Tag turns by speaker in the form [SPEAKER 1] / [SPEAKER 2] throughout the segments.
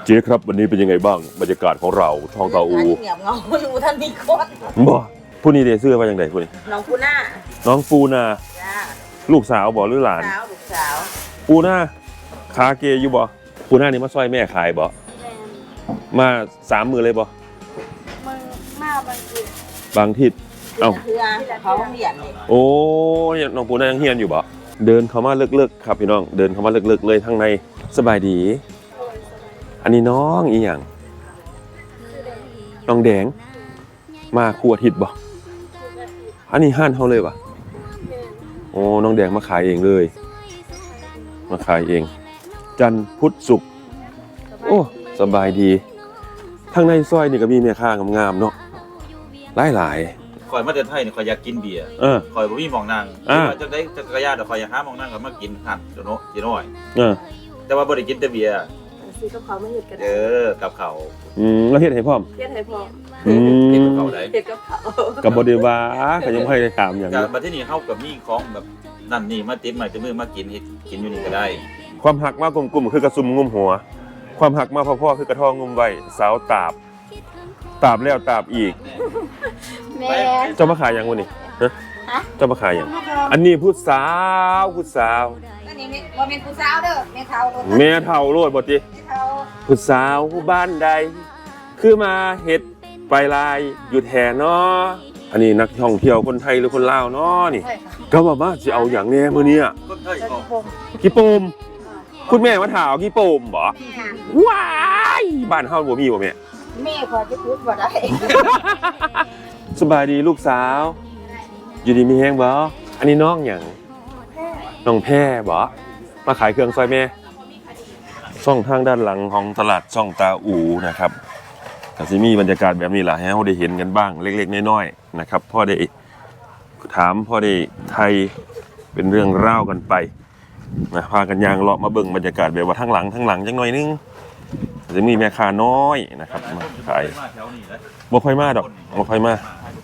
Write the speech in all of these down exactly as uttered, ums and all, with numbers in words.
[SPEAKER 1] เจ๊ครับวันนี้เป็นยังไงบ้างบรรยากาศของเราทองตาอู
[SPEAKER 2] เงียบเงาอยู่ท่านมีคน
[SPEAKER 1] บ่ผู้นี้เดเสื้อว่าอย่างไรผู้นี้
[SPEAKER 2] น้องปูน่า
[SPEAKER 1] น้องปูนา
[SPEAKER 2] จ้า
[SPEAKER 1] ลูกสาวบ่หรือหลาน
[SPEAKER 2] สาวลูกสาว
[SPEAKER 1] ปูนาคาเกอยู่บ่ปูนานี่มาซอยแม่ขายบ่มาสามมือเลยบ่
[SPEAKER 3] มึงมาบางที
[SPEAKER 1] บางทิศเอ้า
[SPEAKER 2] เขาเรียนเลย
[SPEAKER 1] โอ้ยน้องปูนายังเฮียนอยู่บ่เดินเข้ามาเลิกๆครับพี่น้องเดินเข้ามาเลิกๆเลยทั้งในสบายดีอันนี้น้องอีหยังน้องแดงมาครัวทิศบ่อันนี้ห้านเฮาเลยบ่โอ้น้องแดงมาขายเองเลยมาขายเองจันทร์พุธศุกร์โอ้สบายดีข้างในซอยนี่ก็มีแม่ค้างามๆเนาะหลาย
[SPEAKER 4] ๆข่อยมาแต่ไทยนี่ข่อยอยากกินเบียร์
[SPEAKER 1] เออ
[SPEAKER 4] ข่อยบ่มีหม่องนั่งจักได้จักรยานเดี๋ยวข่อยอยากหาหม่องนั่งก็มากินหั่นเดี๋ยวโน้สิน้อย
[SPEAKER 1] เออ
[SPEAKER 4] แต่ว่าบ่ได้กินแต่เบียร์
[SPEAKER 3] ซื้อกับเขาไม่เห็ดกัน
[SPEAKER 4] เออกับเขา
[SPEAKER 1] อืมแล้วเฮ็ดให้พร้อม
[SPEAKER 3] เห็ดให้พร้อม
[SPEAKER 1] อืม
[SPEAKER 4] เฮ็ดกับเขาได้
[SPEAKER 3] เห็ดกับเขา
[SPEAKER 1] ก็บ่ได้ว่าก็ยังบ่ได้ถามหยัง
[SPEAKER 4] ก็บัดนี้เฮาก็มีของแบบนั่นนี่มาติดใหม่ติดมือมากินเฮ็ดกินอยู่นี่ก็ได้
[SPEAKER 1] ความหักมากกลุ่มๆคือกระซุมงุมหัวความหักมาพ่อๆคือกระทองงุมไว้สาวตาบตาบแล้วตาบอีก
[SPEAKER 3] แม่
[SPEAKER 1] เจ้ามาขายหยังวะนี่ฮะเจ้ามาขายหยังอันนี้ผู้สาวผู้สาว
[SPEAKER 2] อันนี้บ่แม่นผู้สาวเด้อแม่เฒ่า
[SPEAKER 1] แม่เฒ่าโลดบ่ติผู้สาวบ้านใดคือมาเฮ็ดไปลายอยู่แท้เนาะอันนี้นักท่องเที่ยวคนไทยหรือคนลาวเนาะนี่ก็ว่ามาสิเอาหยังแน่มื้อนี้
[SPEAKER 4] คนไทยก็
[SPEAKER 1] กี่โปมคุณแม่มาถามกี่โปมบ่ว้ายบ้านเฮาบ่มีบ่แม่
[SPEAKER 2] แม่ขอจะพูดบ่ได้
[SPEAKER 1] สบายดีลูกสาวอยู่ดีมีแฮงบ่อันนี้น้องหยังน้องแพร่บ่มาขายเครื่องซอยแม่ช่องทางด้านหลังของตลาดช่องตาอูนะครับก็สิมีบรรยากาศแบบนี้ล่ะให้เฮาได้เห็นกันบ้างเล็กๆน้อยๆนะครับพอได้ถามพอได้ไทยเป็นเรื่องราวกันไปนะพากันยางเลาะมาเบิ่งบรรยากาศแบบว่าทั้งหลังทั้งหลังจังหน่อยนึงจะมีแม่ค้าน้อยนะครับมาขายบ่ค่อยมาดอกบ่ค่อยมา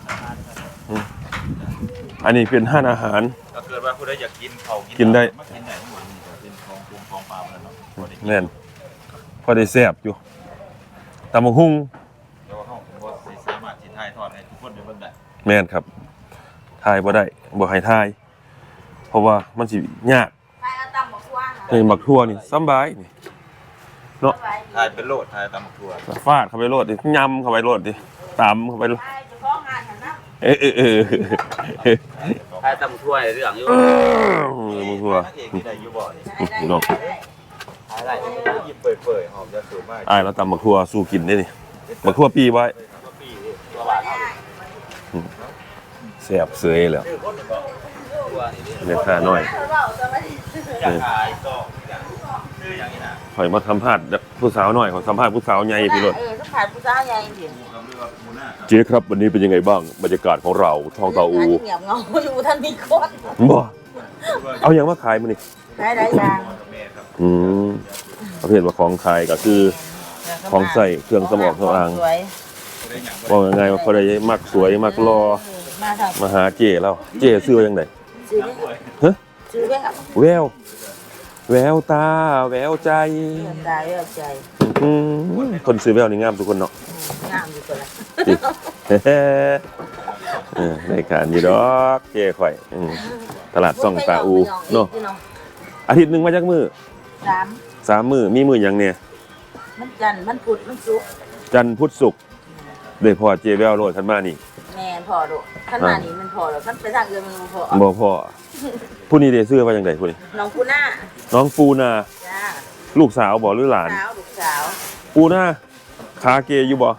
[SPEAKER 1] อันนี้เป็นห้านอาหาร
[SPEAKER 4] ถ้าเกิดว่าผู้ใดอยากกินเขา
[SPEAKER 1] กินได้
[SPEAKER 4] มากินได้ทั้งหมดนี่ก็เป็นของกุ้งของปลาแล้วเนาะ
[SPEAKER 1] แม่นพอได้แซ่บอยู่ตำบักหุ่ง
[SPEAKER 4] แต่ว่าเฮาบ่สิสามารถสิถ่ายทอดให้ทุกคนได้เบิ่งได้
[SPEAKER 1] แม่นครับถ่ายบ่ได้บ่ให้ถ่ายเพราะว่ามันสิยาก
[SPEAKER 2] ถ่ายเอาตำบักทั่ว
[SPEAKER 1] นี่บักทั่วนี่สบายนี่เนาะ
[SPEAKER 4] ถ่ายเป็นโลดถ่ายตำบักทั่ว
[SPEAKER 1] ฟาดเข้าไปโลดดิยำเข้าไปโลดดิตำเข้าไปโลดเออเออเออ
[SPEAKER 4] ถ่ายตำบักทั่วเรื่องอยู่
[SPEAKER 1] บักทั่ว
[SPEAKER 4] ได้อยู่บ่
[SPEAKER 1] นี่น้อง
[SPEAKER 4] ถ่ายได้หยิบเปื่อยๆหอมจะสวยมาก
[SPEAKER 1] อ้ายแล้วตำบักทั่วสู้กินได้นี่บักทั่วปีไว้แซ่บเสยแล้วแม่ค้าน้อยข่อยมาสัมภาษณ์ผู้สาวหน่อยขอสัมภาษณ์ผู้สาวใหญ่พี่รถ
[SPEAKER 2] เออสัมภาษณ์ผู้สาวใหญ่จริง
[SPEAKER 1] เจ๊ครับวันนี้เป็นยังไงบ้างบรรยากาศของเราทองตาอู
[SPEAKER 2] เงียบเงาอยู่ท่านมีคน
[SPEAKER 1] บ่เอาอย่างมาขายมื้อนี้
[SPEAKER 2] ได้หลายอย่าง
[SPEAKER 1] อืมประเภทว่าของขายก็คือของใส่เครื่องสมองสำอางว่ายังไงว่าเขาได้มักสวยมักรอมาหาเจ๊แล้วเจ๊ซื้อว่าจังได๋ฮะ
[SPEAKER 2] ซื้อแวว
[SPEAKER 1] แววแววตาแววใจ
[SPEAKER 2] ตาแววใจ
[SPEAKER 1] อืมคนซื้อแววนี่งามทุกคนเนาะ
[SPEAKER 2] งามอยู่ตัวละ
[SPEAKER 1] เออได้การอยู่ดอกเจ๊ข่อยอืมตลาดซ่องตาอูเนาะอาทิตย์นึงมาจักมื้อ
[SPEAKER 2] สาม
[SPEAKER 1] สามมื้อมีมื้อหยังเนี่ย
[SPEAKER 2] มันจันทร์มันพุธมันศุกร์
[SPEAKER 1] จันทร์พุธศุกร์ได้พอเจ๊แววโลดคันมานี่
[SPEAKER 2] แม่นพอโดคันมานี่มันพอแล้วคันไปทางอื่นมันบ่พอ
[SPEAKER 1] บ่พอผู้นี้ได้ซื้อว่าจังได๋ผู้นี้
[SPEAKER 2] น้องปูนา
[SPEAKER 1] น้องปูนา
[SPEAKER 2] จ้า
[SPEAKER 1] ลูกสาวบ่หรือหลาน
[SPEAKER 2] สาวลูกสาว
[SPEAKER 1] ปูนาคาเกอยู่บ่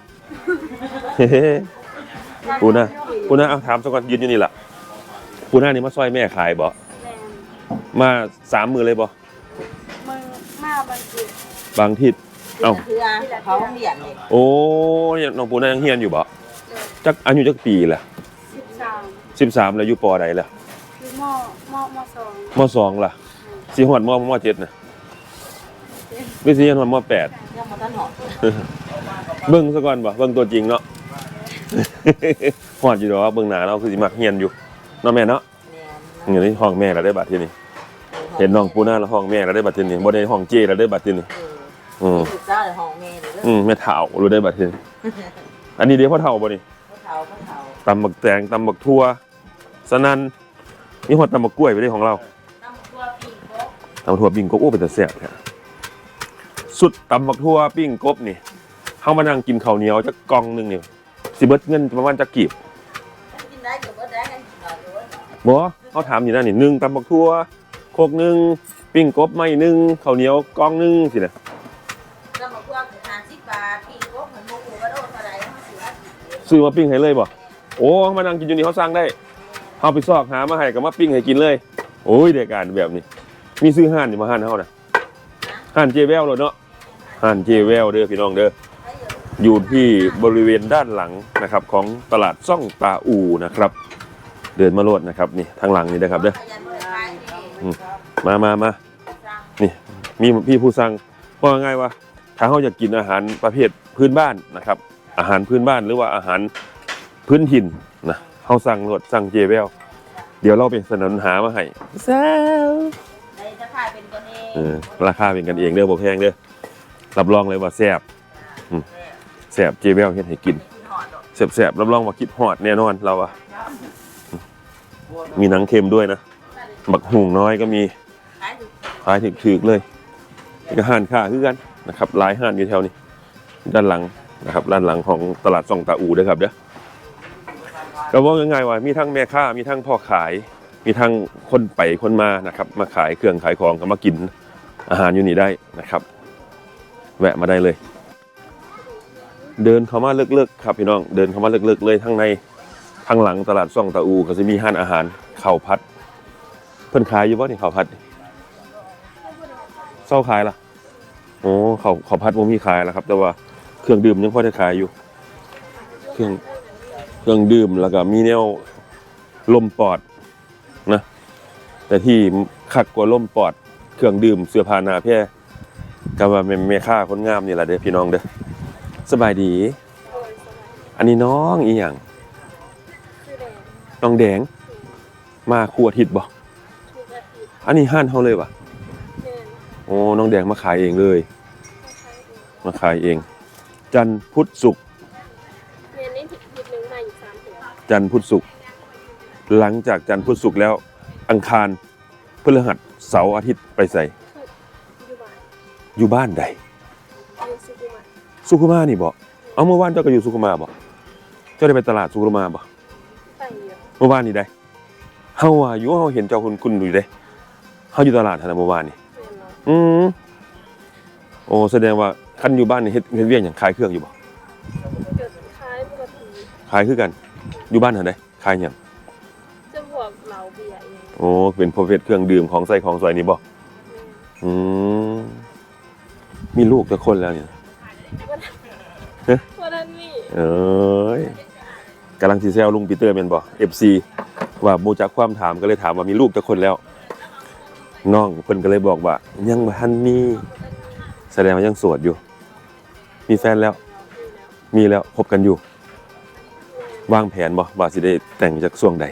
[SPEAKER 1] ปูนาปูนาเอาถามซะก่อนยืนอยู่นี่ล่ะปูนานี่มาซอยแม่ขายบ่มาสามมื้อเลยบ่
[SPEAKER 3] มึงมาบางที
[SPEAKER 1] บางทิศเอ้า
[SPEAKER 2] เขาเรียนนี่
[SPEAKER 1] โอ้น้องปูนายังเรียนอยู่บ่จักอายุจักปีล่ะ
[SPEAKER 3] สิบสาม
[SPEAKER 1] สิบสามแล้วอยู่ป.ใดล่ะ
[SPEAKER 3] อยู่มมมสอง
[SPEAKER 1] มสองล่ะสิฮอดมมเจ็ดน่ะวิสิฮอดมแปด
[SPEAKER 2] ยังบ่ทันฮอด
[SPEAKER 1] เบิ่งซะก่อนบ่เบิ่งตัวจริงเนาะฮอดอยู่ดอกเบิ่งหน้าเราคือสิมักเรียนอยู่เนาะแม่เนาะแม่นนี่ห้องแม่แล้วได้บัดทีนี้เห็นน้องปูนาแล้วห้องแม่แล้วได้บัดทีนี้บ่ได้ห้องเจ้แล้วได้บัดทีนี้อืม
[SPEAKER 2] ลูกสาวเลยห้องแม่เลยเด้อ
[SPEAKER 1] อืมแม่เฒ่ารู้ได้บัดนี้อันนี้เดี๋ยวพ่อเฒ่าบ่นี่
[SPEAKER 2] เขาเฒ่าเขาเฒ่า
[SPEAKER 1] ตำบักแตงตำบักทั่วสนั่นมีฮอดตำบักกล้วยไปได้ของเรา
[SPEAKER 2] น้ำตัวปีกบ
[SPEAKER 1] ตำบักทั่วปิ้งกบโอ้เป็นตาแซ่บแท้สุดตำบักทั่วปิ้งกบนี่เฮามานั่งกินข้าวเหนียวจักกล่องหนึงนี่สิเบิดเงินประมาณจักกีบ
[SPEAKER 2] กินได้ก็บ่ได้กันกินได้ด้วย
[SPEAKER 1] บ่เขาถามอยู่นั่นนี่หนึ่งตำบักทั่วโคกหนึงปิ้งกบไม่หนึงข้าวเหนียวกล่องหนึงสินะ
[SPEAKER 2] น้ำตัวคือห้าสิบบาทปีกบเหมือนหมูกระโดดเท่าไหร่เขาสิว่าสิบ
[SPEAKER 1] ซื้อมาปิ้งให้เลยบ่โอ้มานั่งกินอยู่นี่เขาสั่งได้เฮาไปซอกหามาให้ก็มาปิ้งให้กินเลยโอ้ยเด็กการแบบนี้มีซื้อห่านนี่มาห่านเฮาน่ะห่านเจแววโลดเนาะห่านเจแววเด้อพี่น้องเด้ออยู่ที่บริเวณด้านหลังนะครับของตลาดซ่องตาอูนะครับ เดินมาโลดนะครับนี่ทางหลังนี่นะครับเด้อ
[SPEAKER 2] ขยันบริการนี่
[SPEAKER 1] มามามา
[SPEAKER 2] สั่ง
[SPEAKER 1] นี่มีพี่ผู้สั่งว่าง่ายว่าถ้าเขาอยากกินอาหารประเภทพื้นบ้านนะครับ อาหารพื้นบ้านหรือว่าอาหารพื้นถิ่นนะเขาสั่งรถสั่งเจเวลเดี๋ยวเราไปสนับสนุนหามาให้แซ่บ
[SPEAKER 2] ในจะขายเป็นกันเอง
[SPEAKER 1] เออราคาเป็นกันเองเด้อบ่แพงเด้อรับรองเลยว่าแซ่บอืมแซ่บเจเวลเฮ็ดให้กิน
[SPEAKER 2] กินหอดดอก
[SPEAKER 1] แซ่บๆรับรองว่าคิดฮอดแน่นอนเราอะมีหนังเค็มด้วยนะบักหุงน้อยก็มี
[SPEAKER 2] ขายถูก
[SPEAKER 1] ขายถึกๆเลยนี่ก็ห้านค้าคือกันนะครับหลายห้านอยู่แถวนี้ด้านหลังนะครับด้านหลังของตลาดซ่องตาอูเด้อครับเด้อก็ว่าง่ายๆว่ามีทั้งแม่ค้ามีทั้งพ่อขาย มีทั้งคนไปคนมานะครับมาขายเครื่องขายของก็มากินอาหารอยู่นี่ได้นะครับ แวะมาได้เลย เดินเข้ามาเลิกๆครับพี่น้องเดินเข้ามาเลิกๆเลยทั้งในทางหลังตลาดซ่องตาอูก็จะมีห้านอาหารข้าวผัดเพิ่นขายอยู่บ่นี่ข้าวผัดเศร้าขายล่ะโอ้ข้าวข้าวผัดบ่มีขายแล้วครับ แต่ว่าเครื่องดื่มยังพอได้ขายอยู่ เครื่องเครื่องดื่มแล้วก็มีแนวลมปอดนะแต่ที่คักกว่าลมปอดเครื่องดื่มเสื้อผ้าหน้าแพร่ก็ว่าแม่ค้าคนงามนี่ล่ะเด้อพี่น้องเด้อสบายดี อันนี้น้องอีหยัง
[SPEAKER 3] คือแดง
[SPEAKER 1] น้องแดงมาครัวอาทิตย์บ่
[SPEAKER 3] ทุกอาทิตย์
[SPEAKER 1] อันนี้ห้านเฮาเลยป่ะ
[SPEAKER 3] แม่น
[SPEAKER 1] โอ้น้องแดงมาขายเองเลย
[SPEAKER 3] เขาใช้เอง
[SPEAKER 1] มาขายเอง จันทร์พุธศุกร์
[SPEAKER 3] แม่นนี่ผิดผิดหนึ่งมาอยู่สามเดือน
[SPEAKER 1] จันทร์พุธศุกร์หลังจากจันทร์พุธศุกร์แล้ว อังคารพฤหัสเสาร์อาทิตย์ไปใส่
[SPEAKER 3] อยู่บ้าน
[SPEAKER 1] อยู่บ้านใด
[SPEAKER 3] อยู่สุขุมวิท
[SPEAKER 1] สุขุมานี่บ่เอาเมื่อวานเจ้าก็อยู่สุขุมาบ่เจ้าได้ไปตลาดสุขุมาบ่
[SPEAKER 3] ไปอยู่
[SPEAKER 1] เมื่อวานนี่ได้เฮาว่าอยู่เฮาเห็นเจ้าคุณคุณอยู่เด้เฮาอยู่ตลาดหั่นน่ะเมื่อวานนี่
[SPEAKER 3] แม่นเนาะ
[SPEAKER 1] อืมโอ้แสดงว่าคันอยู่บ้านนี่เฮ็ดเฮ็ดเวียกหยังขายเครื่องอยู่บ่
[SPEAKER 3] เกิดคล้ายปกติ
[SPEAKER 1] ขายคือกัน อยู่บ้านหั่นได้ขายหยัง
[SPEAKER 3] จะบวกเหลาเบียร์เอง
[SPEAKER 1] โอ้เป็นประเภทเครื่องดื่มของใส่ของซอยนี่บ่
[SPEAKER 3] แม่น
[SPEAKER 1] อืมมีลูกจักคนแล้วเนี่ย
[SPEAKER 3] วันนั้นนี่
[SPEAKER 1] เอ้ยกำลังสิแซวลุงปีเตอร์แม่นบ่ เอฟ ซี ว่าบ่จักความถามก็เลยถามว่ามีลูกจักคนแล้วน้องเพิ่นก็เลยบอกว่ายังบ่ทันมีแสดงว่ายังโสดอยู่ มีแฟนแล้ว มีแล้วคบกันอยู่ วางแผนบ่ว่าสิได้แต่งจากช่วงใด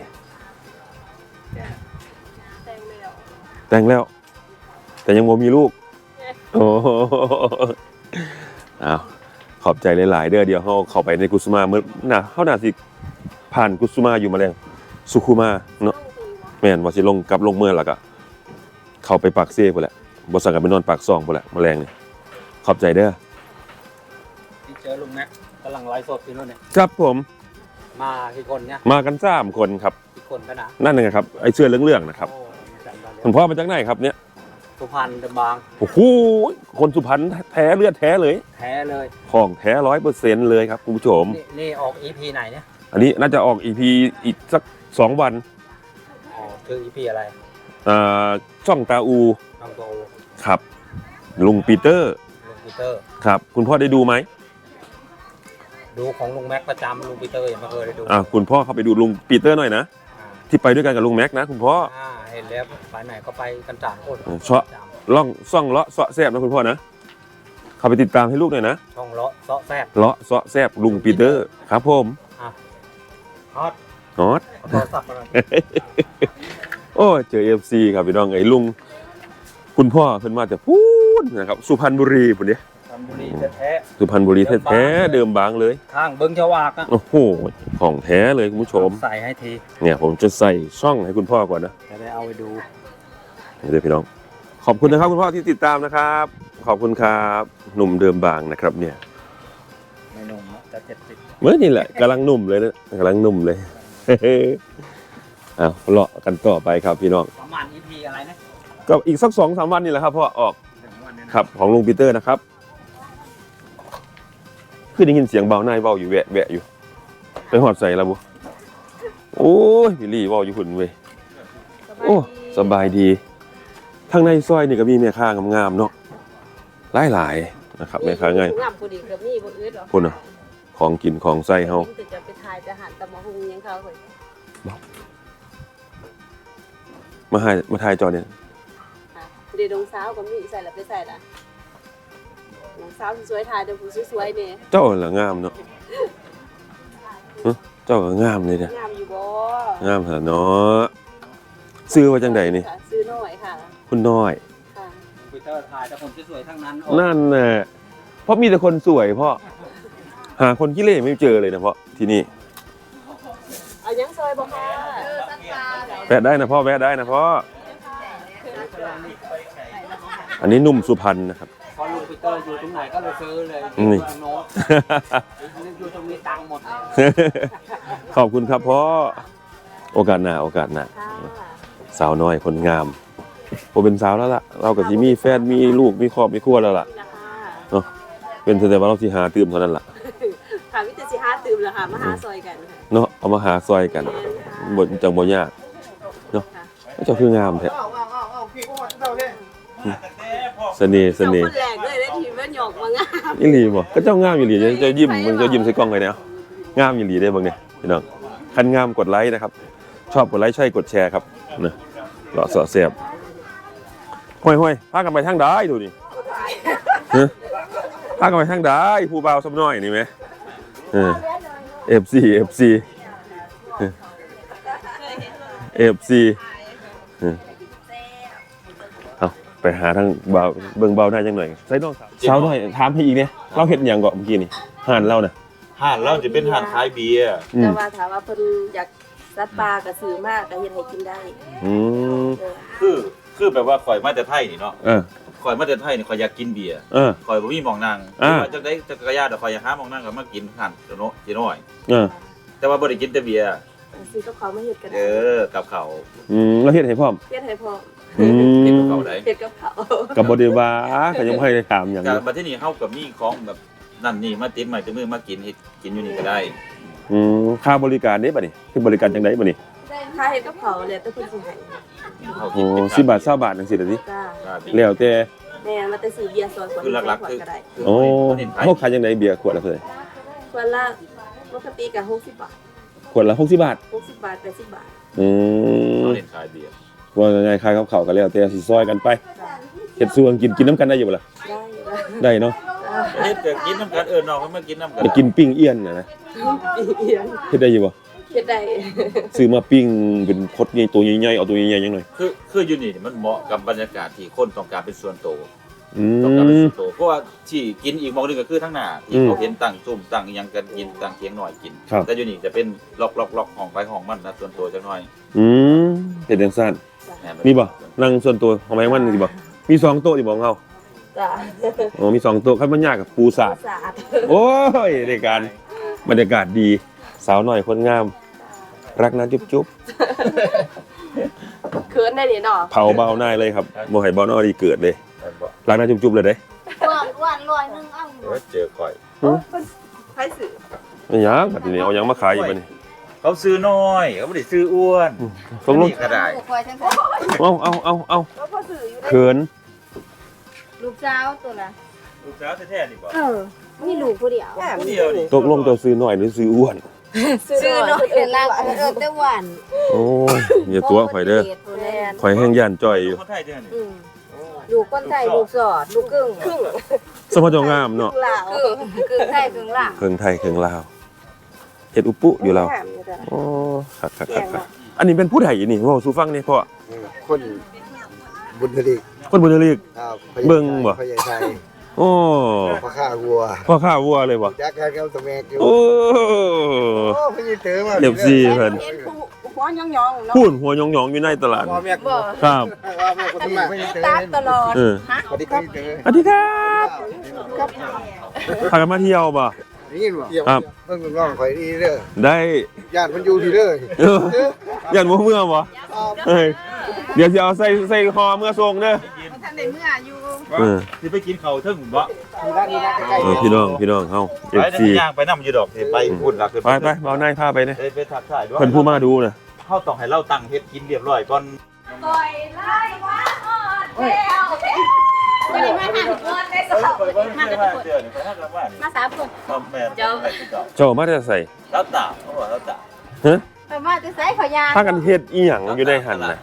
[SPEAKER 3] แต่งแล้ว
[SPEAKER 1] แต่งแล้ว แต่ยังบ่มีลูก โอ้โหอ้าวขอบใจหลายๆเด้อเดี๋ยวเฮาเข้าไปในกุสุมาเมื่อน่ะเฮาน่าสิผ่านกุสุมาอยู่มาแล้วสุขุมาเนาะ
[SPEAKER 3] ต้องตีวะ
[SPEAKER 1] แม่นว่าสิลงกลับลงเมืองแล้วก็เข้าไปปากเซ่พุ่นแหละบ่สั่งกันไปนอนปากซองพุ่นแหละแมลงนี่ขอบใจเด้อ
[SPEAKER 5] ที่เจอลุงแม็กกำลังไลฟ์สดอยู่นู่นเนี่ย
[SPEAKER 1] ครับผม
[SPEAKER 5] มากี่คนเนี่ย
[SPEAKER 1] มากันสามคนครับ
[SPEAKER 5] กี่คนกันนะ
[SPEAKER 1] นั่นนะครับไอ้เสื้อเหลืองๆนะครับ
[SPEAKER 5] โอ้จำได้เลย
[SPEAKER 1] คุณพ่อมาจากไหนครับเนี่ย
[SPEAKER 5] สุพรรณเดอะบาง
[SPEAKER 1] โอ้โหคนสุพรรณแท้เลือดแท้เลย
[SPEAKER 5] แท้เลย
[SPEAKER 1] ของแท้ ร้อยเปอร์เซ็นต์ เลยครับคุณผู้ชม
[SPEAKER 5] นี่นี่ออกอีพีไหนเนี่ย
[SPEAKER 1] อันนี้น่าจะออก อี พี อีกสักสองวัน
[SPEAKER 5] อ๋อคืออีพีอะไร
[SPEAKER 1] อ่าช่องตาอู
[SPEAKER 5] น้องโต
[SPEAKER 1] ครับ ลุงปีเตอร์
[SPEAKER 5] ลุงปีเตอร์
[SPEAKER 1] ครับ คุณพ่อได้ดูไหม
[SPEAKER 5] ดูของลุงแม็กประจำลุงปีเตอร์ยังไม่เคยได้ดู
[SPEAKER 1] อ่าคุณพ่อเข้าไปดูลุงปีเตอร์หน่อยนะ
[SPEAKER 5] อ่า
[SPEAKER 1] ที่ไปด้วยกันกับลุงแม็กนะคุณพ่อ
[SPEAKER 5] อ่าเห็นแล้วไปไหนก็ไปกันสามคน
[SPEAKER 1] เออชอบ
[SPEAKER 5] ประจ
[SPEAKER 1] ล่องซ่องเลาะเสาะแซบนะคุณพ่อนะเข้าไปติดตามให้ลูกหน่อยนะ
[SPEAKER 5] ำช่องเลาะเซาะแซบ
[SPEAKER 1] เลาะเสาะแซบลุงปีเตอร์ครับผม
[SPEAKER 5] ฮอต
[SPEAKER 1] นอต
[SPEAKER 5] เอาโทรศัพท์มาหน่อย
[SPEAKER 1] โอ้ยเจอ เอฟ ซี ครับพี่น้องไอ้ลุงคุณพ่อเพิ่นมาแต่พูดนะครับสุพรรณบุรีพุ่นเด้
[SPEAKER 5] ทำบุรีแท้
[SPEAKER 1] สุพรรณบุรีแท้ๆเดิมบางเลย
[SPEAKER 5] ๆข้างเบิ้งชวากอ่ะ
[SPEAKER 1] โอ้โหของแท้เลยคุณผู้ชม
[SPEAKER 5] ใส่ให้ที
[SPEAKER 1] เนี่ยผมจะใส่ช่องให้คุณพ่อก่อนนะ
[SPEAKER 5] จะได้เอาไปดู
[SPEAKER 1] นี่เลยพี่น้องขอบคุณนะครับคุณพ่อที่ติดตามนะครับ ขอบคุณครับหนุ่มเดิมบางนะครับเนี่ย
[SPEAKER 5] ไม่นุ่มนะจะเจ็ดสิบ
[SPEAKER 1] เมื่อนี่แหละกำลังหนุ่มเลยนะกำลังหนุ่มเลย เอาเลาะกันต่อไปครับพี่น้อง
[SPEAKER 5] ประมาณ อี พี อะไรนะ
[SPEAKER 1] ก็อีกสักสองสามวันนี่แหละครับพ่อออก
[SPEAKER 5] ถึงวันนี้นะครับ
[SPEAKER 1] ของลุงปีเตอร์นะครับคือได้ยินเสียงเบาหน้าเบาอยู่แวะแวะอยู่ไปหอดใส่แล้วบุโอ้ยพี่ลี่เบาอยู่หุ่นเว้ยโอ้สบายดีทางในซอยนี่ก็มีแม่ค้างามๆเนาะหลายๆนะครับแม่ค้าง่าย
[SPEAKER 2] งามพอดีกับนี่บ่อึดหรอก
[SPEAKER 1] พุ่นน่ะของกินของใส่เฮา
[SPEAKER 2] จะจะไปทายจะหันตะมะฮุงยังเขาเลย
[SPEAKER 1] มาให้มาถ่ายจอเนี่ย
[SPEAKER 2] เดี๋ยวดงสาวก็มีใส่แล้วไปใส่ละดงสาวสวยๆทายเดี๋ยวผู้สวยๆเนี่ย
[SPEAKER 1] เจ้าล่ะงามเนาะฮะเจ้าก็งามเลยเนี่ย
[SPEAKER 2] งามอยู่บ่
[SPEAKER 1] งามเหรอเนาะซื้อว่าจังใดนี่
[SPEAKER 2] ค่ะซื้อหน่อยค่ะ
[SPEAKER 1] คุณน้อย
[SPEAKER 2] ค่ะ
[SPEAKER 5] คอมพิวเตอร์ถ่ายแต่คนสวยๆทั้งนั้น
[SPEAKER 1] นั่นน่ะเพราะมีแต่คนสวยพ่อหาคนขี้เหร่ไม่เจอเลยนะพ่อที่นี่
[SPEAKER 2] เอายังซอยบ่ค่ะเออสักปลา
[SPEAKER 1] แวะได้นะพ่อแวะได้นะพ่ออันนี้หนุ่มสุพรรณนะครับ
[SPEAKER 5] พอลุงปีเตอร์อยู่ตรงไหนก็เลยซื้อเลย
[SPEAKER 1] นี่
[SPEAKER 5] ตรงโน้นอยู่ตรงนี้ตังค์หมดเลย
[SPEAKER 1] ขอบคุณครับพ่อโอกาสหน้าโอกาสหน้า
[SPEAKER 2] ค่ะ
[SPEAKER 1] สาวน้อยคนงามผมเป็นสาวแล้วล่ะเรากับที่มีแฟนมีลูกมีครอบมีครัวแล้วล่ะ
[SPEAKER 2] นี่ล่ะค่ะ
[SPEAKER 1] เนาะเป็นแต่ว่าเราที่หาตื่มเท่านั้นล่ะ
[SPEAKER 2] ค่ะวิตาสิหาตื่มแล้วค่ะมาหาซอยกันค่ะ
[SPEAKER 1] เนาะเอามาหาซอยกันบนจังบ่ยากเนาะเจ้าคืองามแท้เสน่ห์เส
[SPEAKER 2] เจ้า
[SPEAKER 1] น่ห์
[SPEAKER 2] คนแรกเลยได้ทีว่าหยอกมางาม
[SPEAKER 1] อีหลีบ่ก็เจ้างามอีหลีเจ้ายิ้มมันจะยิ้มใส่กล้องเลยเนาะงามอีหลีได้เบิ่งเนี่ยพี่น้องคันงามกดไลค์นะครับ ชอบกดไลค์ใช่กดแชร์ครับนะเลาะเสาะแสบห้อยๆพากันไปทางใดดูนี่ฮะพากันไปทางใดผู้บ่าวสำน้อยนี่แหมเออ เอฟ ซี เอฟ ซี เอฟ ซี เอาไปหาทางเบาเบิ่งเบาได้จังหน่อยใส่น้องสาวสาวหน่อยถามให้อีกเนี่ยเราเฮ็ดหยังก่อนเมื่อกี้นี่ห่านเราน่ะ
[SPEAKER 4] ห้านเราจะเป็นห้านขายเบียร์
[SPEAKER 1] อื
[SPEAKER 2] แต่
[SPEAKER 1] ม
[SPEAKER 2] ว่าถามว่าเพิ่นอยากสัตว์ปลาก็ซื้อมากก็เฮ็ดให้กินได้
[SPEAKER 1] อืม
[SPEAKER 2] เออ
[SPEAKER 4] คือคือแบบว่าข่อยมาแต่ไทยนี่เนาะ
[SPEAKER 1] เออ
[SPEAKER 4] ข่อยมาแต่ไทยนี่ข่อยอยากกินเบียร์
[SPEAKER 1] เออ
[SPEAKER 4] ข่อยบ่มีหม่องนั่ง
[SPEAKER 1] อ่า
[SPEAKER 4] ว่าจักได้จักรยานแต่ข่อยอยากหาหม่องนั่งก็มากินห้านเดี๋ยวโน้จีน้อย
[SPEAKER 1] เออ
[SPEAKER 4] แต่ว่าบ่ได้กินแต่เบียร์
[SPEAKER 2] ซื้อกับเขาวมาเฮ็ดก็
[SPEAKER 4] เอ
[SPEAKER 2] ได้
[SPEAKER 4] อกับเขาว
[SPEAKER 1] อืมแล้วเฮ็ดให้พร้อม
[SPEAKER 2] เฮ็ดให้พอ
[SPEAKER 1] อื
[SPEAKER 4] กิน
[SPEAKER 1] ม
[SPEAKER 4] กับเขาวได้
[SPEAKER 2] เฮ็ดกับเขาว
[SPEAKER 1] กับบริวารก็ยังไม่ได้ถามอย่าง
[SPEAKER 4] แต่
[SPEAKER 1] นี้
[SPEAKER 4] บัดทีนี้เฮาก็มีของแบบนั่นนี่มาติดใหม่ติดมือมากินเฮ็ดกินอยู่นี่ก็ได้
[SPEAKER 1] อืมค่าบริการเด้บัดนี้คือบริการจังไดบัดนี้
[SPEAKER 2] ค่าเฮ็ดกับเขาวแล้วแต่เพิ่นสิให้
[SPEAKER 4] เฮา
[SPEAKER 1] โอ้
[SPEAKER 4] กินเป็น
[SPEAKER 1] สิบบาทเก้าบาทจังซี่ล่ะสิ
[SPEAKER 2] จ้า
[SPEAKER 4] ครับ
[SPEAKER 1] แล้วแต่
[SPEAKER 2] แม่มาแต่ซื้อเบียร์ซอยขวด
[SPEAKER 4] คือหลักๆ
[SPEAKER 2] ขวด
[SPEAKER 4] คือ
[SPEAKER 2] ก็ได้
[SPEAKER 4] คือ
[SPEAKER 1] โอ้
[SPEAKER 4] เน้นขาย
[SPEAKER 1] เฮาขายจังไดเบียร์ขวดละเท่าไหร่
[SPEAKER 2] ขวดละปกติก็หกสิบบาท
[SPEAKER 1] ขวดละหกสิบบาท
[SPEAKER 2] หกสิบบาทแปดสิบบาท
[SPEAKER 1] อืม
[SPEAKER 4] เฮาเน้นขายเบียร์
[SPEAKER 1] ว่าง่ายๆคายกับเขาวกันแล้วแต่สิซอยกันไปเฮ็ดส่วนกินกินน้ำกันได้อยู่บ่ล่ะ
[SPEAKER 2] ได้อยู่แล้ว
[SPEAKER 1] ได้เนาะ
[SPEAKER 4] เฮ็ดก็กินน้ำกันเอิ้นน้องมันมากินน้ำกัน
[SPEAKER 1] ไปกินปิ้งเอี้ยนน่ะนะ
[SPEAKER 2] เอียง
[SPEAKER 1] เฮ็ดได้อยู่บ่
[SPEAKER 2] เฮ็ดได้
[SPEAKER 1] ซื้อมาปิ้งเป็นคดใหญ่ตัวใหญ่ๆเอาตัวใหญ่ๆจังหน่อย
[SPEAKER 4] คือคืออยู่นี่มันเหมาะกับบรรยากาศที่คนต้องการเป็นส่วนตัว
[SPEAKER 1] อื
[SPEAKER 4] ต้องการเป็น
[SPEAKER 1] ม
[SPEAKER 4] ส่วนตัวเพราะว่าที่กินอีกหมองหนึงก็คือทั้งหน้าที่
[SPEAKER 1] อืม
[SPEAKER 4] เขาเห็นตั้งซุ่มตั้งอิหยังกันกินตั้งเคียงหน่อยกิน
[SPEAKER 1] ครับ
[SPEAKER 4] แต่อยู่นี่จะเป็นล็อกล็อกล็อกห้องไปห้องมันนะส่วนตัวจักหน่อย
[SPEAKER 1] อืมเฮ็ดจังซั่น
[SPEAKER 4] แม่น
[SPEAKER 1] มีบ่นั่งส่วนตัวของแม่งมันสิบ่มีสองโต๊ะสิบ่เฮา
[SPEAKER 2] จ้า
[SPEAKER 1] อ๋อมีสองโต๊ะคันมันยากกับปูสาด
[SPEAKER 2] สะอาด
[SPEAKER 1] โอ้ยในการบรรยากาศดีสาวหน่อยคนงาม รักนะจุ๊บจุ๊บ
[SPEAKER 2] เขินได้นี่เนาะ
[SPEAKER 1] เผาเบาหน้าเลยครับโมไห่บอลนอดีเกิดเลย
[SPEAKER 4] แม่นบ่
[SPEAKER 1] รักนะจุ๊บจุ๊บเลยเด้
[SPEAKER 2] หวานหวานลอยนึงเอ้า
[SPEAKER 4] เดี๋ยวเจอข่อย
[SPEAKER 2] ไผซื้อ
[SPEAKER 1] ไม่หยังบัดนี้เอาหยังมาขายอยู่บัดนี้
[SPEAKER 4] เขาซื้อน้อยเขาบ่ได้ซื้ออ้วน
[SPEAKER 1] ตกลง
[SPEAKER 4] นี่ก็ได้
[SPEAKER 2] คอยจังซั่น
[SPEAKER 1] เอาเอาเอาเอา
[SPEAKER 2] แล้วพอซื้ออยู่ได้
[SPEAKER 1] เขิน
[SPEAKER 2] ลูกสาวตัวละ
[SPEAKER 4] ลูกสาวแท้ๆนี่บ่
[SPEAKER 2] เออมีลูกผู้เดียว
[SPEAKER 4] ผู้เดียวนี่
[SPEAKER 1] ตกลงจะซื้อหน่อยหรือซื้ออ้วน
[SPEAKER 2] ซื้อน้อยเป็นลางเออแต่หวาน
[SPEAKER 1] โอ้ยอย่าตัวข่อยเด้อข่อยแห้งย่านจ้อยอยู่
[SPEAKER 4] คนไทยเด้อนี่
[SPEAKER 2] อืมลูกคนไทยลูกสอดลูกครึ่งครึ่ง
[SPEAKER 1] สมพงามเนาะ
[SPEAKER 2] ลาวครึ่งไทยครึ่งลาว
[SPEAKER 1] เครื่องไทยเครื่องลาวเฮ็ดอุปุอยู่แล้วโอ้คักคักคักคักอันนี้เป็นผู้ใดนี่เว้าสู่ฟังนี่พ่อ
[SPEAKER 6] คนบบุญทลีก
[SPEAKER 1] คนบุญทลีก
[SPEAKER 6] ครับ
[SPEAKER 1] เบิ่งบ่
[SPEAKER 6] พญาไทย
[SPEAKER 1] โอ้
[SPEAKER 6] พ่อข้าวัว
[SPEAKER 1] พ่อข้าวัวเลยบ่
[SPEAKER 6] จักกันครับตะแมกอยู่
[SPEAKER 1] โอ้
[SPEAKER 6] โอ้พญาเต๋อมา
[SPEAKER 1] เอฟซีเพิ่น
[SPEAKER 2] เห็นผู้หัวยองๆเนาะ
[SPEAKER 1] พูนหัวหยองๆอยู่ในตลาด
[SPEAKER 6] พ่อแม่
[SPEAKER 2] บ่
[SPEAKER 1] ครับ
[SPEAKER 6] ว่าแม่ก็ต้องมาพญาเต๋อ
[SPEAKER 2] ตามตลอด
[SPEAKER 1] เออ
[SPEAKER 2] ฮะ
[SPEAKER 6] สวัสดีครับเต๋อ
[SPEAKER 1] สวัสดีครับพากันมาเที่ยวบ่
[SPEAKER 6] ได้ยินบ่
[SPEAKER 1] ครับ
[SPEAKER 6] เพิ่งร้องข่อยดีเด้อ
[SPEAKER 1] ได้
[SPEAKER 6] ญาติมันอยู่ที่เด้อ
[SPEAKER 1] เออยันบ่เมื่อบ่เอ้ยเดี๋ยวสิเอาใส่ใส่คอเมื่อส่งเด้อ
[SPEAKER 2] ท่านได้เมื่ออยู่
[SPEAKER 1] เออ
[SPEAKER 4] สิไปกินข้าวเทิงบ่
[SPEAKER 6] มีร้านนี้นะใกล้
[SPEAKER 1] เออพี่น้องพี่น้องเฮา
[SPEAKER 4] ไป
[SPEAKER 1] เอฟ
[SPEAKER 4] ได้
[SPEAKER 1] ซี
[SPEAKER 4] ย่างไปนำอยู่ดอกสิไปพูดหลักขึ้น
[SPEAKER 1] ไปไปเบาหน้าพาไปเด้อ
[SPEAKER 4] ไปไปทักทายด้วย
[SPEAKER 1] เพิ่นผู้มาดูน่ะ
[SPEAKER 4] เฮาต้องให้เราตั้งเฮ็ดกินเรียบร้อยก่อน
[SPEAKER 2] ปล่อยไล่ว่าอ่อนแล้ววันนี้มาหาทุกคนได้สาวมากันทุกคน
[SPEAKER 4] เดือนไปทักกันว่านี่
[SPEAKER 2] มาสามคน
[SPEAKER 4] พ่อแม่เจ้าให้กินดอก
[SPEAKER 1] เจ้ามาแต่ใส่
[SPEAKER 4] แล้วตาเขาบอกแล้วตา
[SPEAKER 1] ฮะ
[SPEAKER 2] ไปมาจะใส่ขอยา
[SPEAKER 1] พากันเฮ็ดอีหยังอยู่ในหันน่ะ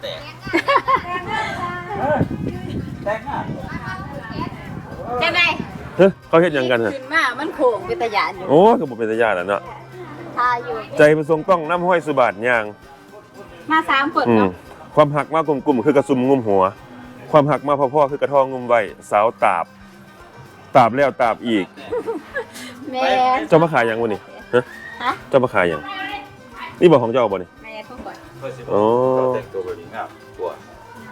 [SPEAKER 4] แต่งงาน
[SPEAKER 2] จังได๋
[SPEAKER 1] เฮ้ยเขาเฮ็ดหยังกันฮะ
[SPEAKER 2] ขึ้นมามันโขงเป็นตะยานอยู่
[SPEAKER 1] โอ้ก็บ่เป็นตาญาติแล้วเนาะ
[SPEAKER 2] ทาอยู่
[SPEAKER 1] ใจประสงค์ต้องน้ำห้อยสุบาทย่าง
[SPEAKER 2] มาสามคน
[SPEAKER 1] อืม
[SPEAKER 2] เนาะ
[SPEAKER 1] ความหักมากกลุ่มๆคือกระซุมงุมหัว ความหักมาพ่อๆคือกระทองงุมไว้สาวตาบ ตาบแล้วตาบอีก
[SPEAKER 2] แม่
[SPEAKER 1] เจ้ามาขายหยังวะนี่ฮะ
[SPEAKER 2] ฮะ
[SPEAKER 1] เจ้ามาขายหยังนี่บอกของเจ้าบ่นี่
[SPEAKER 2] แม่ทุกคน
[SPEAKER 4] เพื่อสิ
[SPEAKER 1] โอ้
[SPEAKER 4] แต่งตัวแบบนี้งามกว่า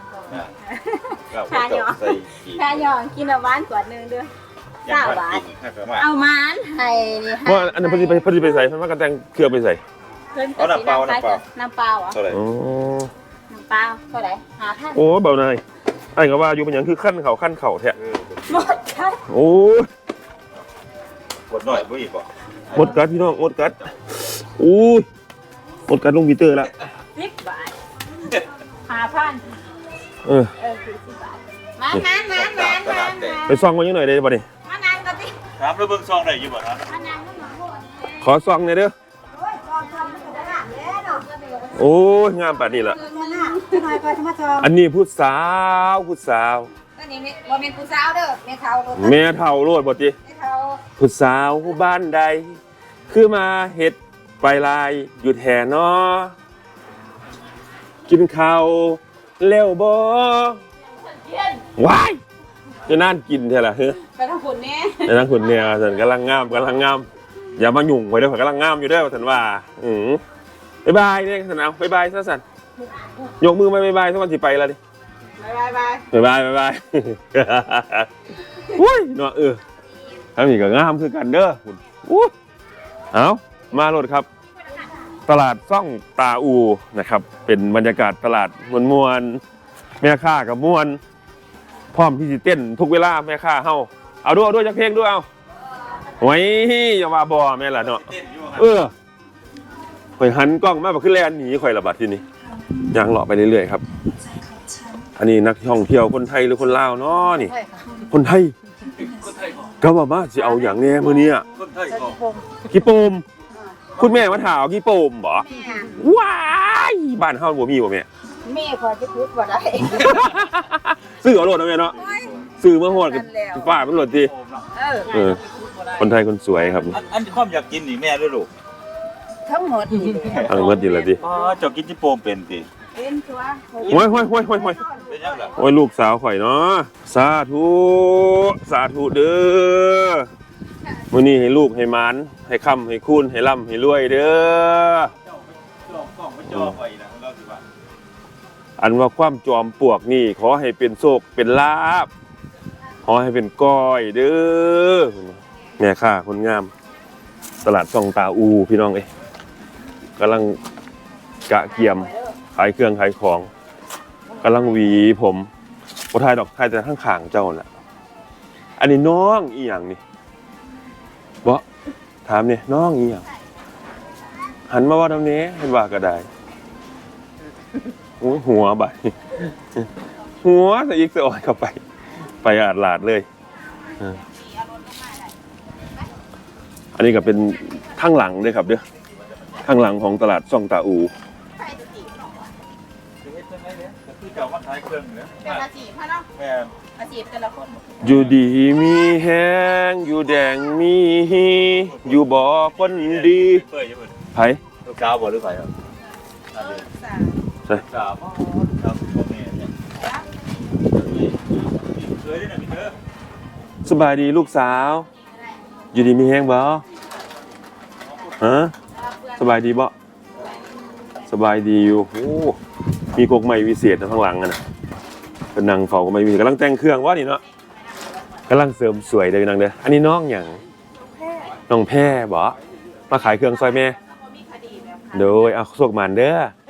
[SPEAKER 4] ใส่กี่
[SPEAKER 2] แค่ยองกินเอาหวานกว่านึงเด้อ
[SPEAKER 4] ยังพันกินให้ประมาณ
[SPEAKER 2] เอาหวานให้นี่
[SPEAKER 1] เพราะอันนั้นเพอดีไปเพอดีไปใส่เพิ่นว่ากันแต่งเครือไปใส่
[SPEAKER 2] เพิ่นก็สิน้ำเปล่าน้ำเปล่าอ่ะ
[SPEAKER 4] เท่าไหร่
[SPEAKER 1] โอ้
[SPEAKER 2] น้ำเปล่าเท่าไหร่หาพัน
[SPEAKER 1] โอ้เบานายไอ้ก็ว่าอยู่เป็นหยังคือขั้นเข่าขั้นเข่าแท้
[SPEAKER 2] หมดค่ะ
[SPEAKER 1] โอ้ย
[SPEAKER 4] กดหน่อยบ่อีกบ่
[SPEAKER 1] หมดกัดพี่น้องหมดกัดโอ้ยหมดกัดลงปีเตอร์แล้ว
[SPEAKER 2] สิบบาทหาพัน
[SPEAKER 1] เออ
[SPEAKER 2] เออคือสิบบาทมานานมานานมานาน
[SPEAKER 1] ไปซองมันยังหน่อยได้บ่นี่
[SPEAKER 2] มานานก็สิ
[SPEAKER 4] ถามแล้วเบิ่งซองได้อยู่บ่ครับ
[SPEAKER 2] มานานก็มาโหด
[SPEAKER 1] ขอซองหน่อยเด้อ
[SPEAKER 2] โอ้ยจอมจอมมันก็ได้แล้วเนาะ
[SPEAKER 1] โอ้ยงามป่านนี้ล่ะ
[SPEAKER 2] มันน่ะหน่อยก็มาจอม
[SPEAKER 1] อันนี้ผู้สาวผู้สาว
[SPEAKER 2] อันนี้บ่แม่นผู้สาวเด้อแม่เฒ่าโลด
[SPEAKER 1] แม่เฒ่าโลดบ่ติ
[SPEAKER 2] แม่เฒ่า
[SPEAKER 1] ผู้สาวบ้านใด คือมาเฮ็ดไปลายอยู่แท่นอกินข้าวเร็วบ่ว้ายจะนั่นกินเท่าล่ะเฮ้อ
[SPEAKER 2] ไปทางฝุ่นแน่
[SPEAKER 1] ในนั้นคุณเนี่ยสันกำลังงามกำลังงามอย่ามาหยุ่งไว้เด้อข่อยกำลังงามอยู่เด้อสันว่าอืมบ๊ายบายเนี่ยสันเอาบ๊ายบายซะสันยกมือมาบ๊ายบายสักวันสิไปแล้วดิ
[SPEAKER 2] บายบายบาย
[SPEAKER 1] บ๊ายบายบ๊ายบายอุ้ยเนาะเออทั้งนี้ก็งามคือกันเด้อคุณอู้เอามาโลดครับ ตลาดซ่องตาอูนะครับ เป็นบรรยากาศตลาดมวลๆแม่ค้ากับมวลพร้อมที่จะเต้นทุกเวลาแม่ค้าเฮาเอาด้วยเอาด้วยจักเพลงด้วยเอาไว้อย่าว่าบ่แม่ล่ะเนาะเออข่อยหันกล้องมาบ่ขึ้นแลนหนีข่อยละบัดทีนี้ย่างเลาะไปเรื่อยๆครับ อันนี้นักท่องเที่ยวคนไทยหรือคนลาวเนาะนี่ คนไทยก็ว่ามาสิเอาอย่างแน่มื้อนี้อะ
[SPEAKER 4] คนไทยก็
[SPEAKER 1] กี่โปมคุณแม่มาถามกี่โปมบ่ว้ายบ้านเฮาบ่มีบ่แม่
[SPEAKER 2] แม่ขอจะพูดบ่ได้
[SPEAKER 1] ซื้อเอาโลดนะแม่เนาะซื้อมาโหดกับฝ้ามันโหลดติ
[SPEAKER 4] โอมเนาะ
[SPEAKER 2] เออ
[SPEAKER 1] เออคนไทยคนสวยครับ
[SPEAKER 4] อันอันความอยากกินนี่แม่ด้วยลูก
[SPEAKER 2] ทั้งหมดนี่
[SPEAKER 1] อังเมิดอยู่แล้วติ
[SPEAKER 4] อ๋อเจ้ากินจิโปมเป็นติ
[SPEAKER 2] เป็นตัว
[SPEAKER 1] โอ้ยโอ้ยโอ้ยโอ้ยโอ้ย
[SPEAKER 4] เป็นยังล่ะ
[SPEAKER 1] โอ้ยลูกสาวข่อยเนาะสาธุสาธุเด้อมื้อนี้ให้ลูกให้หมานให้ค่ำให้คูณให้ร่ำให้รวยเด้อ
[SPEAKER 4] จองกล่องไปจองไว้นะเราสิว่า
[SPEAKER 1] อันว่าความจอมปลวกนี่ขอให้เป็นโชคเป็นลาภขอให้เป็นก้อยเด้อแม่ค้าคนงาม ตลาดซ่องตาอูพี่น้องเอ้ยกำลังกะเกียมขายเครื่องขายของกำลังหวีผมบ่ทายดอกทายแต่ข้างข้างเจ้าแหละอันนี้น้องอีหยังนี่บ่ถามนี่น้องอีหยังหันมาว่าทำนี้เห็นว่าก็ได้โอ้ยหัวใบหัวสะอีกสะอ่อนเข้าไป ไปอาดลาดเลยเอออันนี้ก็เป็นข้างหลังด้วยครับเด้อข้างหลังของตลาดซ่องตาอู
[SPEAKER 4] เฮ็ดจังได๋เนี่ยก็คือเจ้ามาขายเครื่องเนี่ย
[SPEAKER 2] เป็นอาชีพพ่อเนาะ
[SPEAKER 4] แม่
[SPEAKER 2] อาชีพแต่ละคน
[SPEAKER 1] อยู่ดีมีแห้งอยู่แดงมีอยู่บ่คนดี
[SPEAKER 4] เปิดอยู่เพิ่น
[SPEAKER 1] ไผ
[SPEAKER 4] ลูกสาวบ่หรือไผครับ
[SPEAKER 2] เออสา
[SPEAKER 4] ลูกสาวบ่ครับพ่อแม่เนี่ยสวยด้วยนะพี่เด้อ
[SPEAKER 1] สบายดีลูกสาว อยู่ดีมีแฮงบ่ฮะสบายดีบ่สบายดีอยู่โอ้มีกกใหม่วิเศษนะข้างหลังอะนะเป็นนางเฝ้าก็ไม่มีกำลังแต่งเครื่องว่านี่เนาะกำลังเสริมสวยเด้อนางเด้ออันนี้น้องหยังน้องแพรบ่มาขายเครื่องซอยแม่โดยเอาโชคหมานเด้อ